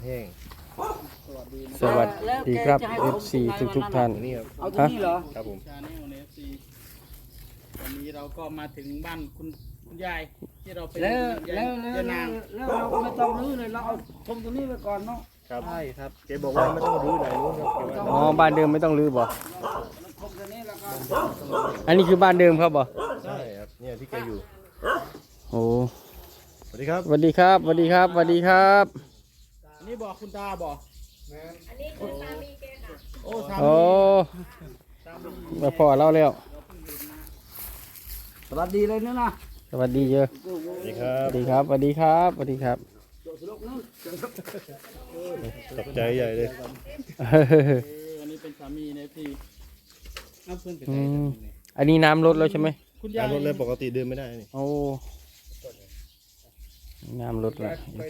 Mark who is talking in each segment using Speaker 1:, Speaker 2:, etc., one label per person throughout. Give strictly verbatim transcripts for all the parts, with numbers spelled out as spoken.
Speaker 1: แห้ง
Speaker 2: สวัสดีครับ เอฟ ซี ทุกทุกท่าน
Speaker 1: นี่ครับ
Speaker 3: เอาตรงนี้เหรอ
Speaker 1: ครับผม
Speaker 4: ชาแนลใน เอฟ ซี วันนี้เราก็มาถึงบ้านคุณคุณยายที่เราไป
Speaker 3: แล้วแล้ว
Speaker 4: เดิน
Speaker 3: แล้
Speaker 4: นาง
Speaker 3: วแล้วเราก็ไม่ต้องรื้อเลยเราเอาชมตรงนี้ไปก่อนเนาะ
Speaker 1: ครับใช่ครับแกบอกว่าไม่ต้องรื้อไหนนู้นครับแกว่า
Speaker 2: อ๋อบ้านเดิมไม่ต้องรื้อบ่
Speaker 3: เราชมตรงนี้แล้วก็
Speaker 2: อันนี้คือบ้านเดิมครับบ่
Speaker 1: ใช่ครับเนี่ยที่แกอยู่
Speaker 2: โอ้
Speaker 1: สวัสดีครับ
Speaker 2: สวัสดีครับสวัสดีครับสวัสดีครับ
Speaker 4: อันนี้บอกคุณตาบอก
Speaker 5: อันนี้คือสามีแกค่ะ
Speaker 4: โอ้สา
Speaker 2: โอ้
Speaker 4: มีสามี
Speaker 2: มาพอเล่าแล้ว
Speaker 3: สวัสดีเลยเนี่ยนะ
Speaker 2: สวัสดีเยอะ
Speaker 1: สวัสดีครั
Speaker 2: ส
Speaker 1: บ
Speaker 2: วัสดีครับสวัสดีครับสวัสดีครับ
Speaker 1: ตกใจใหญ่เลย
Speaker 4: เอออันนี้เป็นสามีใน เอฟ ซีน้ำเพื่อนเป็น
Speaker 2: อื
Speaker 4: ไง
Speaker 2: มอันนี้น้ำลดแล้วใช่ไหม
Speaker 4: คุณยาย
Speaker 1: รถเลยปกติเดินไม่ได้นี่
Speaker 2: โอ้น้ำลดแล้ว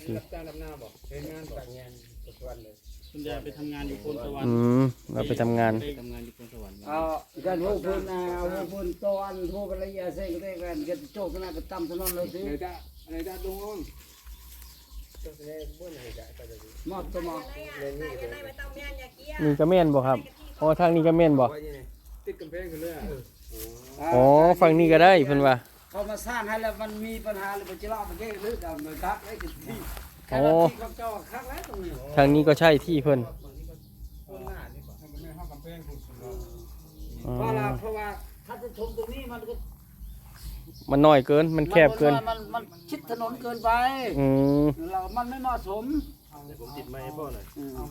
Speaker 4: คุณยายไปทำงานอยู่โพนสวรร
Speaker 2: อื
Speaker 4: ค์
Speaker 2: มเราไปทำงาน
Speaker 4: ไปทำงานอยู่โพนสวรรค์
Speaker 3: เอาการโหพื้นนาเอาพื้นตอนโหกันระยะเส้นก็ได้กันก็โจกกันไปตั้มถนนเลยสิมอบตัวมอบ
Speaker 5: อะไรอ่ะใส่ไปในไม่ต้องแม่นอย่าเกี้ย
Speaker 2: นี่ก็แม่นบ่ครับอ๋อทางนี้ก็แม่นบ่
Speaker 3: ติดกำแพงกันเลย
Speaker 2: อ๋อฝั่งนี้ก็ได้เพิ่นว่า
Speaker 3: เขามาสร้างให้แล้วมันมีปัญหาเลยไปจะเล่าไปแก้หรือดำเลยครับไอ้ที่แค่ที่เขาเจ้าคักแล้วตรงนี้
Speaker 2: ทางนี้ก็ใช่ที่เพิ่นอ๋อ
Speaker 3: เพราะว่าเพราะว่าถ้าจะชมตรงนี้มันก็
Speaker 2: มันน้อยเกินมันแคบเกิน
Speaker 3: มันมันชิดถนนเกินไป
Speaker 2: อืม
Speaker 3: เรามันไม่เหมาะสม
Speaker 1: เดี๋ยวผมติดไม้ให้พ่อหน่อย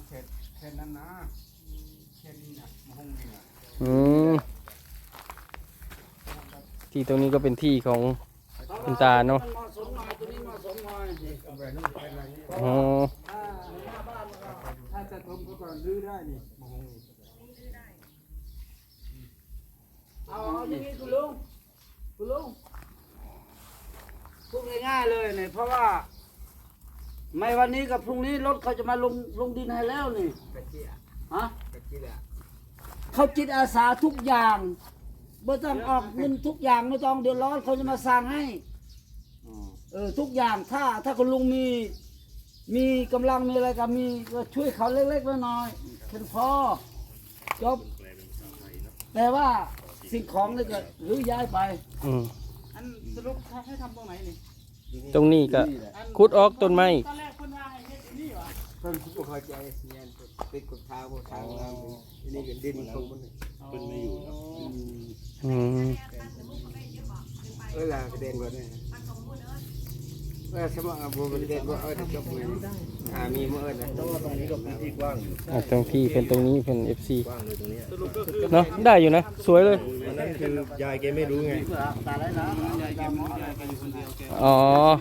Speaker 2: อืมที่ตรงนี้ก็เป็นที่ของคุณตาเนาะ
Speaker 3: เหมาะสมหน่อยตัวนี้เหมาะสมหน่อย
Speaker 2: อ๋อ
Speaker 3: อ่าหน้าบ้านถ้าจะชมก็ก่อนรื้อได้นี่เอาเอาอย่างนี้คุณลุงคุณลุงพูดง่ายๆเลยเนี่ยเพราะว่าไม่วันนี้กับพรุ่งนี้รถเขาจะมาลงลงดินให้แล้วนี่ฮะเขาจิตอาสาทุกอย่างไม่ต้องออกเงินทุกอย่างไม่ต้องเดือดร้อนเขาจะมาสร้างให้เออทุกอย่างถ้าถ้าคุณลุงมีมีกำลังมีอะไรก็มีก็ช่วยเขาเล็กๆน้อยๆเป็นพอจบแต่ว่าสิ่งของนี่ก็หรือย้ายไป
Speaker 2: อืม
Speaker 4: อันสรุปให้ทำตรงไหนนี่
Speaker 2: ตรงนี้ก็ขุดออกต้นไม้
Speaker 4: ตอนแรกคุณว่าให้เฮ็ดอยู่นี่หวะ
Speaker 6: เพิ่นบ่เข้าใจเงี้ยติดกับทางบ่ทางเราอันนี้ก็ดินของมัน
Speaker 1: เป็นไม่อยู่แล้ว
Speaker 2: อืม
Speaker 6: เออล่ะกระเด็นบ่ได้เออสมองบ่กระเด็นบ่เออจบเลยหามีมื้อนะ
Speaker 1: เพราะว่าตรงนี้ก็พื้นที่กว้างอยู่
Speaker 2: อ่ะตรงที่เป็นตรงนี้เป็น เอฟ ซี
Speaker 1: กว้างเลยตรงเนี้ย
Speaker 4: สรุปก็คือ
Speaker 2: เนาะได้อยู่นะสวยเลย
Speaker 1: วันนั้นคือยายแกไม่รู้ไง
Speaker 3: ตาได้นะ
Speaker 4: ยายแกมยายแกอยู่คนเดียวแก
Speaker 2: อ๋อ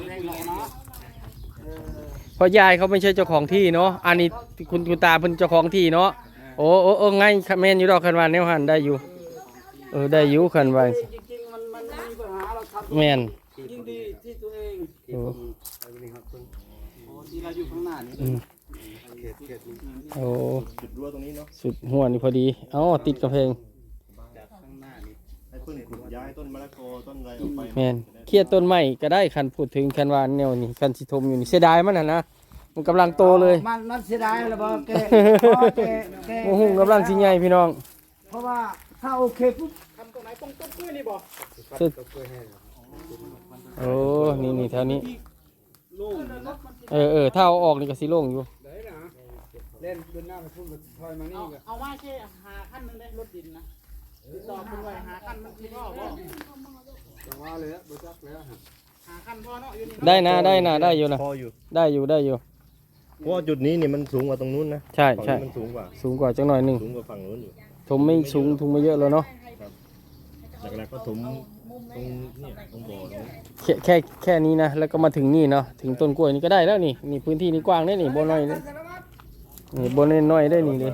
Speaker 2: เพราะยายเขาไม่ใช่เจ้าของที่เนาะอันนี้คุณคุณตาเป็นเจ้าของที่เนาะโอ้โอ้โอ้ไงแม่นอยู่ดอกคันว่าแนวหันได้อยู่เออได้อยู่คันว่า
Speaker 3: จริงๆมันมันมีปัญหาเราทำ
Speaker 2: แม่น
Speaker 3: ยิ่งดีที่ตัวเอง
Speaker 2: โอ้
Speaker 3: โอ้ที่เราอยู่ข้างหน้านี่
Speaker 2: อืม
Speaker 6: เขตเขตนี้
Speaker 2: โอ้
Speaker 1: จุดรั้วตรงนี้เนาะ
Speaker 2: สุดหัวนี่พอดีเอ้าติดกระเพง
Speaker 1: จากข้างหน้านี่ให้เพิ่นขุดย้ายต้นมะละกอต้นอะไรออกไป
Speaker 2: แม่นเครียดต้นไม้ก็ได้คันพูดถึงคันว่าแนวนี้คันสิทมอยู่นี่เสียดายมันน่ะนะมันกำลังโตเลย
Speaker 3: มันมันเสียดายแล้วบอกแกเพราะแกแก
Speaker 2: โอ้โหกำลังสิใหญ่พี่น้อง
Speaker 3: เพราะว่าถ้าโอเคปุ๊บ
Speaker 4: ทำตรงไหนตรงต้นกล้วยนี่บ่
Speaker 2: สุดโอ้นี่นี่แถวนี้
Speaker 4: ลุง
Speaker 2: เออเออถ้าเอาออกนี่ก็สิโล่งอยู่
Speaker 6: ได้นะเล่นขึ้นหน้าไปพุ่งถอยมานี่
Speaker 4: เอา
Speaker 6: ก็
Speaker 4: เอาว่าแค่หาขั้นหนึงได้รถดินนะติดต่อคุณไว้หาขั้นมันคือพ่อบ่
Speaker 6: จังว่าเลยบ่จักแล้ว
Speaker 4: หาขั้นพ่อเนาะอยู่นี่
Speaker 2: ได้นะได้นะได้อยู่นะ
Speaker 1: พออยู่
Speaker 2: ได้อยู่ได้อยู่
Speaker 1: เพราะว่าจุดนี้นี่มันสูงกว่าตรงนู้นนะ
Speaker 2: ใช่
Speaker 1: ฝั่ง
Speaker 2: ใช่
Speaker 1: นี้มันสูงกว่า
Speaker 2: สูงกว่าจังหน่อยหนึง
Speaker 1: สูงกว่าฝั่งนู้นอยู่
Speaker 2: ถมไม่สูงทุงไม่เยอะแล้วเนาะ
Speaker 1: หลักๆก็ถมตรงเนี่ยตรงบ่อตรงนี้
Speaker 2: แค่แค่แค่นี้นะแล้วก็มาถึงนี่เนาะถึงต้นกล้วยนี่ก็ได้แล้วนี่นี่พื้นที่นี่กว้างได้นี่บนน้อยนี่นี่บนน้อยได้นี่เลย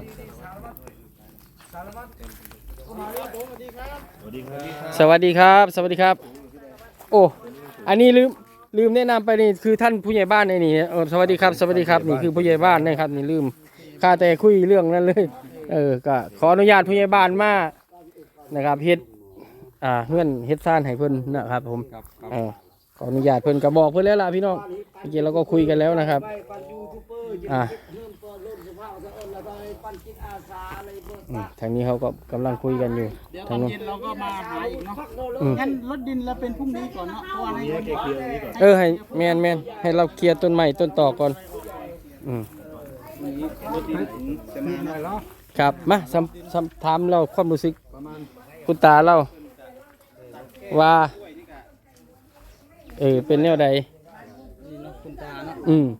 Speaker 1: สวัสดีครับ
Speaker 2: สวัสดีครับ สวัสดีครับ โอ้อันนี้ลืมลืมแนะนำไปนี่คือท่านผู้ใหญ่บ้านในนี่เออสวัสดีครับสวัสดีครับนี่คือผู้ใหญ่บ้านนะครับนี่ลืมข้าแต่คุยเรื่องนั้นเลยเออก็ขออนุญาตผู้ใหญ่บ้านมานะครับเฮ็ดอ่าเงื่อนเฮ็ดซ่านให้เพิ่นนะครับผมเออขออนุญาตเพิ่นก็บอกเพิ่นแล้วล่ะพี่น้องเมื่อกี้เราก็คุยกันแล้วนะครับ
Speaker 3: ไปปันยูทูบเบอร์
Speaker 2: อ่า
Speaker 3: เงินปั่นจิตอาสาอะไรเบิก
Speaker 2: อืมทางนี้เขาก็กำลังคุยกันอยู่
Speaker 4: เดี๋ยวต
Speaker 2: ทา
Speaker 4: อง น
Speaker 2: นู้น
Speaker 4: เย็นเราก็มาหาอีกเนาะ
Speaker 2: อืม
Speaker 4: งั้นรถดินเราเป็นพรุ่งนี้ก่อนเนาะเพราะว่าใน
Speaker 1: นี่ให้แกเคลียร์ตรงนี้ก่อน
Speaker 2: เออให้แมนแมนให้เราเคลียร์ต้นใหม่ต้นต่อก่อนอืม
Speaker 4: รถดินถึงจะมาเนาะ
Speaker 2: ครับมาสัมสัมถามเราความรู้สึกคุณตาเราว่าเออเป็นแนวใด
Speaker 4: นี่เนาะคุณตาเนาะ
Speaker 2: อืม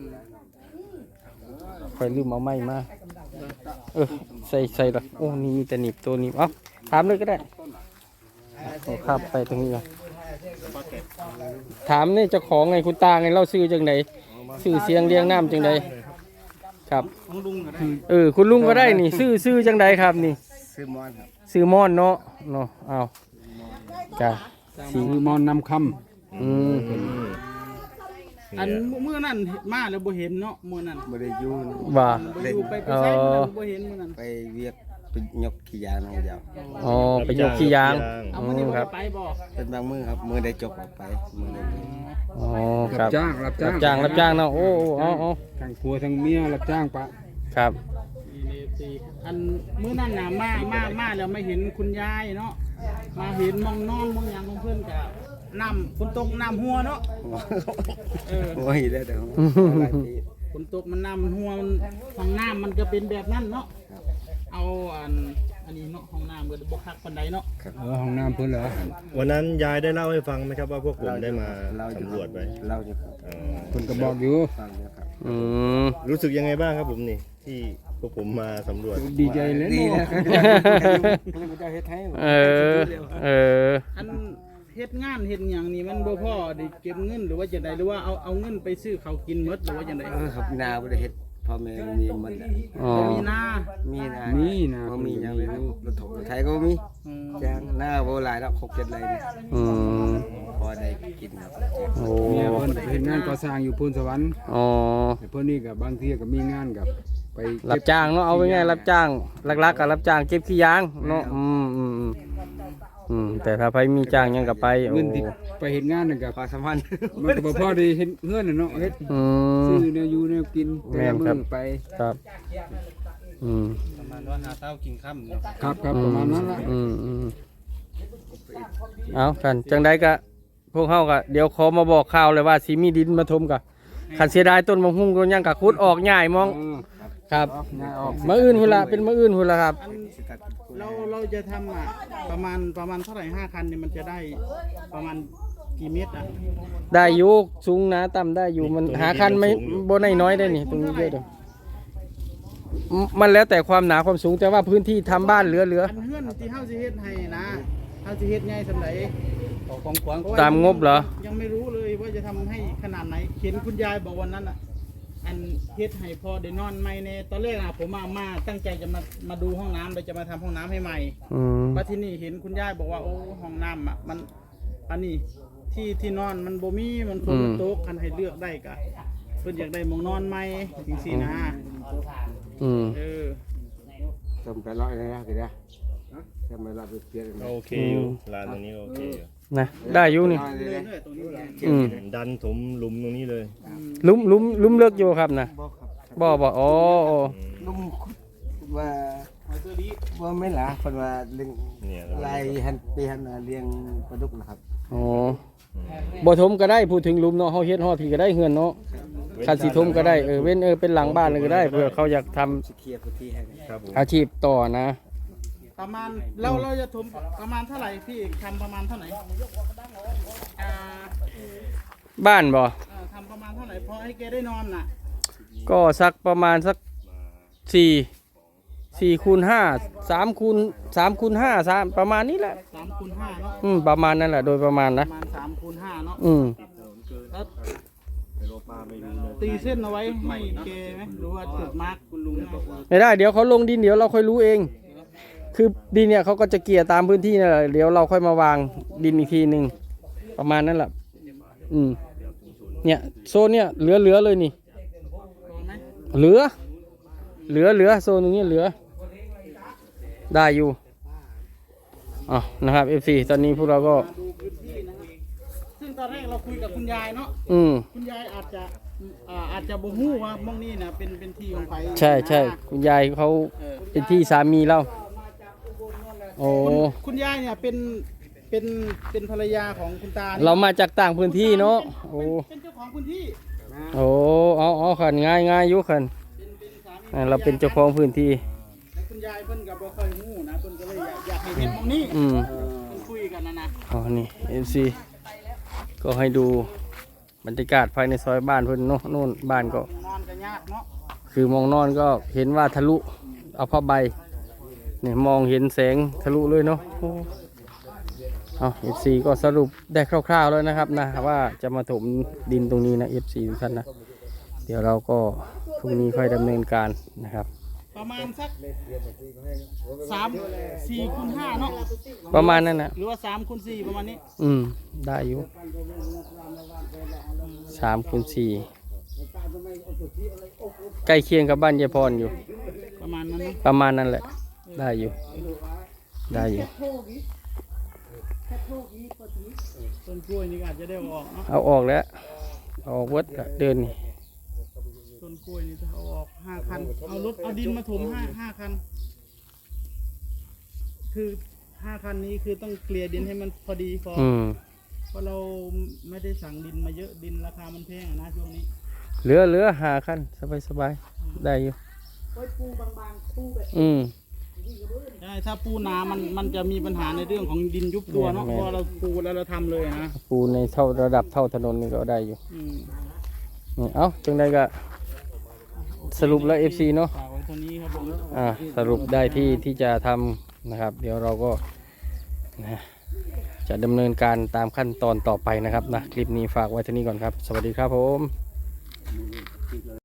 Speaker 2: คอยลืมเอาไม้มาเออใส่ใส่ละโอ้นี่มีแต่หนีบตัวหนีบเอ้าถามเลยก็ได้เอาข้ามไปตรงนี้ก่อนถามนี่เจ้าของไงคุณตาไงเราซื้อจังไดซื้อเสียงเรียงน้ำจังไดครับ
Speaker 4: ของลุงก็ได้
Speaker 2: เออคุณลุงก็ได้นี่ซื้อซื้อจังไดครับนี่
Speaker 6: ซื้อมอนครับ
Speaker 2: ซื้อมอนเนาะเนาะเอาจ้ะสี
Speaker 7: คือมอนนำค
Speaker 2: อืม
Speaker 4: อันเมื่อนั้นมาแล้วบ่เห็นเนาะเมื่อนั้น
Speaker 6: บ่ได้อยู่
Speaker 2: ว่า
Speaker 4: บ่อยู่ไปไปใช้เมื่อนั้นบ่เห็นเมื่อนั้น
Speaker 6: ไปเวียกไปยกขี้ยางน้องเดียว
Speaker 2: อ๋อไปยกขี้ยาง
Speaker 4: เอา
Speaker 2: อื
Speaker 4: มื้อนี้
Speaker 2: ม
Speaker 4: บ่
Speaker 2: ครั
Speaker 4: ได้
Speaker 2: บ
Speaker 4: ไปบ่
Speaker 6: เป็นบางมื้อครับมื้อได้จบออกไปมื้อได้ไป
Speaker 2: อ๋อ
Speaker 7: ำ
Speaker 2: ค
Speaker 7: รั
Speaker 2: รั
Speaker 7: บบ จ้างรับจ้า
Speaker 2: รั
Speaker 7: ง
Speaker 2: บจ้างรับจ้างเนาะโอ้โอ้เอาเอา
Speaker 7: ทั้งผัวทั้งเมียรับจ้างปะ
Speaker 2: ครับ
Speaker 4: อันมื้อนั้นน่ะมามามาแล้วไม่เห็นคุณยายเนาะมาเห็นมองนอนมองหยังของเพิ่นก็น้ำฝนตกน้ำหัวเนาะเออ
Speaker 6: โอ้ยได้แต่ของหลายปี
Speaker 4: ฝนตกมันน้ำมันหัวมันห้องน้ำมันก็เป็นแบบนั้นเนาะเอาอันอันนี้เนาะห้องน้ำก็บ่คักปานใดเนาะ
Speaker 7: เออห้องน้ำเพิ่นเหรอ
Speaker 1: วันนั้นยายได้เล่าให้ฟังไหมครับว่าพวกผมได้มา
Speaker 6: เราอยู่
Speaker 1: สำรวจไป
Speaker 6: เราอยู่ครับ
Speaker 1: อ๋อ
Speaker 7: เพิ่นก็บอกอยู่
Speaker 6: ฟังอยู่ครับ
Speaker 2: อืม
Speaker 1: รู้สึกยังไงบ้างครับผมนี่ที่พวกผมมาสำรวจ
Speaker 7: ดีใจเลย
Speaker 6: ดี
Speaker 7: เนาะ
Speaker 6: นะเพิ่นจะเฮ็ดให้
Speaker 2: เออเออ
Speaker 4: อันเฮ็ดงานเฮ็ดหยังนี่มันบ่พอได้เก็บเงินหรือว่าจังไดหรือว่าเอาเอาเงินไปซื้อข้าวกินหมดหรือว่าจังได
Speaker 6: เออครับนาบ่ได้เฮ็ดพ่อแม่มีหมดแหละ
Speaker 2: อ๋อ
Speaker 4: บ่มีนา
Speaker 6: มีนา
Speaker 7: มีนะ
Speaker 6: บ่มีหยังเลยนะรถถกรถไถก็บ่มี
Speaker 4: อืม
Speaker 6: จ้างหน้าบ่หลายดอกหกเจ็ดไร่นี่
Speaker 2: อืม
Speaker 6: พอได้กินครับ
Speaker 2: โอ้
Speaker 7: เมียเพิ่นไปเฮ็ดงานก่อสร้างอยู่พูนสวรรค์
Speaker 2: อ๋อ
Speaker 7: แต่เพิ่นนี่ก็บางทีก็มีงานกับไป
Speaker 2: รับจ้างเนาะเอาไว้ง่ายรับจ้างหลักๆกับรับจ้างเก็บขี้ยางเนาะอืมอืมอืมอืมแต่ถ้าไปมีจ้างหยังกับไปโอ้
Speaker 7: เงินที่ไปเฮ็ดงานนั่นก็
Speaker 6: ความสัมพันธ์
Speaker 7: มันก็บ่พอได้เฮ็ดเฮือนน่ะเนาะเฮ็ด
Speaker 2: อื
Speaker 7: ซื้
Speaker 2: ม
Speaker 7: อแนวอยู่แนวกินแต่
Speaker 2: แม่
Speaker 7: ละ
Speaker 2: น
Speaker 7: มื้
Speaker 2: ครั
Speaker 7: อบ ไป
Speaker 2: ครับอืม
Speaker 4: ประมาณว่าหาเช้ากินค่ำเนาะ
Speaker 7: ครับครับประมาณนั้นล่ะ
Speaker 2: อืมอืมเอากันจังใดก็พวกเฮาก็เดี๋ยวขอมาบอกข่าวเลยว่าสิมีดินมาถมกะคันเสียดายต้นมะฮุ่งต้นหยังกะขุดออกง่ายมอง
Speaker 7: เออ
Speaker 2: ครับ
Speaker 7: ง่ายออก
Speaker 2: มื้ออื่นพุ่นละเป็นมื้ออื่นพุ่นละครับ
Speaker 4: อันเราเราจะทำอ่ะประมาณประมาณเท่าไหร่ห้าคันเนี่ยมันจะได้ประมาณกี่เมตรอ่ะ
Speaker 2: ได้อยู่สูงนะต่ำได้อยู่มันหาคันไม่บ่ได้น้อยได้นี่ตรงนี้เยอะเด้อมมันแล้วแต่ความหนาความสูงแต่ว่าพื้นที่ทำบ้านเหลือเหลือ
Speaker 4: อันเฮือนที่เฮาสิเฮ็ดให้นะเฮาสิเฮ็ดใหญ่สำาใดของขวัญก็ว่
Speaker 2: ตามงบเหรอ
Speaker 4: ยังไม่รู้เลยว่าจะทำให้ขนาดไหนเห็นคุณยายบอกวันนั้นอ่ะอันเฮ็ดให้พอได้นอนใหม่ในตอนแรกอ่ะผมมามาตั้งใจจะมามาดูห้องน้ำเลยจะมาทำห้องน้ำให้ใหม่
Speaker 2: อืม
Speaker 4: ว่าที่นี่เห็นคุณยายบอกว่าโอ้ห้องน้ำอ่ะมันอันนี้ที่ที่นอนมันบ่มีมันฝนมันตกคันให้เลือกได้กะเพิ่นอยากได้หมองนอนใหม่จังซี่นะ
Speaker 2: อืม
Speaker 4: เออ
Speaker 6: ทำไปร้อยเลยนะกี่เด้อทำไปร้อยไปเปลี่ยน
Speaker 1: โอเคอยู่ลานตรงนี้ก็โอเคอยู่
Speaker 2: นะได้อยู่นี่
Speaker 4: เรื่อยๆตรงนี้เลย
Speaker 2: อืม
Speaker 1: ดันถมหลุมตรงนี้เลย
Speaker 2: ลุ่มลุ่มลุ่มเลิกอยู่ครับนะบ่บ่อ๋ออ๋อ
Speaker 6: ลุงว่าว่าไม่ล่ะเพิ่นว่าเลี้ยง
Speaker 1: เนี่ย
Speaker 6: ลายหันปีหันน่ะเลี้ยงปลาดุกนะครับ
Speaker 2: อ๋อบ่ถมก็ได้พูดถึงหลุมเนาะเฮาเฮ็ดฮอดพี่ก็ได้เฮือนเนาะคันสิถมก็ได้เออเว้นเออเป็นหลังบ้านเลยก็ได้เผื่อเขาอยากทำ
Speaker 6: สิเคลียร์พื้นที่ให้
Speaker 1: ครับผม
Speaker 2: อาชีพต่อนะ
Speaker 4: ประมาณเราเราจะถมประมาณเท่าไหร่พี่ทำประมาณเท่าไหร่อ่า
Speaker 2: บ้านบ่
Speaker 4: เอ่อทำประมาณเท่าไหร่พอให้แกได้นอนน่ะ
Speaker 2: ก็สักประมาณสักสี่สี่คูณห้าสามคูณสามคูณห้าสามประมาณนี้แหละ
Speaker 4: สามคูณห้าเนาะ
Speaker 2: อืมประมาณนั้นแหละโดยประมาณ
Speaker 4: ป
Speaker 2: นะ
Speaker 4: ระมาณสามคูณห้าเนาะ
Speaker 2: อืม
Speaker 4: แล้วตีเส้นเอาไว้ให้แกไหมหรือว่าจุดมาร์กคุณลุงบอกว่า
Speaker 2: ไม่ได้เดี๋ยวเขาลงดินเดี๋ยวเราค่อยรู้เอง คือดินเนี่ยเขาก็จะเกลี่ยตามพื้นที่นั่นแหละเดี๋ยวเราค่อยมาวางดินอีกทีหนึ่งประมาณนั้นแหละอืมเนี่ยโซนเนี่ยเหลือเหลือเลยนี่
Speaker 4: พอไหม
Speaker 2: เหลือ เหลือเหลือโซนตรงนี้เหลือ ได้อยู่อ๋อนะครับ เอฟ ซี ตอนนี้พวกเราก็
Speaker 4: มาดูพื้นที่นะครับซึ่งตอนแรกเราคุยกับคุณยายเนาะ
Speaker 2: อืม
Speaker 4: คุณยายอาจจะอ่าอาจจะบ่ฮู้ว่ามองนี่นะเป็นเป็นที่ของไผ
Speaker 2: ใช่ใช่คุณยายเขาเป็นที่สามีเราโอ้
Speaker 4: คุณคุณยายเนี่ยเป็นเป็นเป็นภรรยาของคุณตานี่
Speaker 2: เรามาจากต่างพื้นที่เนาะโอ้
Speaker 4: เป็นเจ้าของพื้นที่
Speaker 2: โอ้เอาเอาขันง่ายง่ายอยุขัน
Speaker 4: เป็นเป็นสามี
Speaker 2: อ่าเราเป็นเจ้าของพื้นที่
Speaker 4: แต่คุณยายเพิ่นก็บ่ค่อยฮู้นะเพิ่นก็เลยอยากอยากให้เห็นมองนี่
Speaker 2: อืม
Speaker 4: เพิ่นคุยกันนะนะ
Speaker 2: อ๋อนี่เอฟซีก็ให้ดูบรรยากาศภายในซอยบ้านเพิ่นเนาะนู่นบ้านก็
Speaker 4: นอนก็ยากเนาะ
Speaker 2: คือมองนอนก็เห็นว่าทะลุเอาผ้าใบเนี่ยมองเห็นแสงทะลุเลยเนาะโอ้เอาเอฟซีก็สรุปได้คร่าวๆแล้วนะครับนะว่าจะมาถมดินตรงนี้นะเอฟซีทุกท่านนะเดี๋ยวเราก็พรุ่งนี้ค่อยดำเนินการนะครับ
Speaker 4: ประมาณสักสามสี่คูณห้าเนาะ
Speaker 2: ประมาณนั้นนะ
Speaker 4: หรือว่าสามคูณสี่ประมาณนี้
Speaker 2: อืมได้อยู่สามคูณสี่ใกล้เคียงกับบ้านยายพรอยู่
Speaker 4: ประมาณนั้นเนาะ
Speaker 2: ประมาณนั้นแหละ ได้อยู่ ได้อยู่
Speaker 4: ต้นกล้วยนี่ก็อาจจะได้เอาออกเนาะ
Speaker 2: เอาออกแล้วเอาออกวัดก็เดินนี่
Speaker 4: ต้นกล้วยนี่จะเอาออกห้าคันเอารถเอาดินมาถมห้าห้าคัน คือห้าคันนี้คือต้องเกลี่ยดินให้มันพอดีพอ
Speaker 2: อืม
Speaker 4: เพราะเราไม่ได้สั่งดินมาเยอะดินราคามันแพงอะนะช่วงนี้
Speaker 2: เหลือเหลือหาขั้นสบายสบายได้อยู่อืม
Speaker 4: ใช่ถ้าปูนามันมันจะมีปัญหาในเรื่องของดินยุบตัวเนาะ
Speaker 2: แม่น
Speaker 4: เพราะเราปูแล้วเราทำเลยนะ
Speaker 2: ปูในเท่าระดับเท่าถนนนี่ก็ได้อยู่
Speaker 4: อืม
Speaker 2: นี่เอ้าจังใดก็สรุปแล้ว เอฟ ซี เนาะ
Speaker 4: ฝากไว้เท่านี้ครับผม
Speaker 2: อ่าสรุปได้ที่ที่จะทำนะครับ เดี๋ยวเราก็นะจะดำเนินการตามขั้นตอนต่อไปนะครับนะคลิปนี้ฝากไว้เท่านี้ก่อนครับ สวัสดีครับผม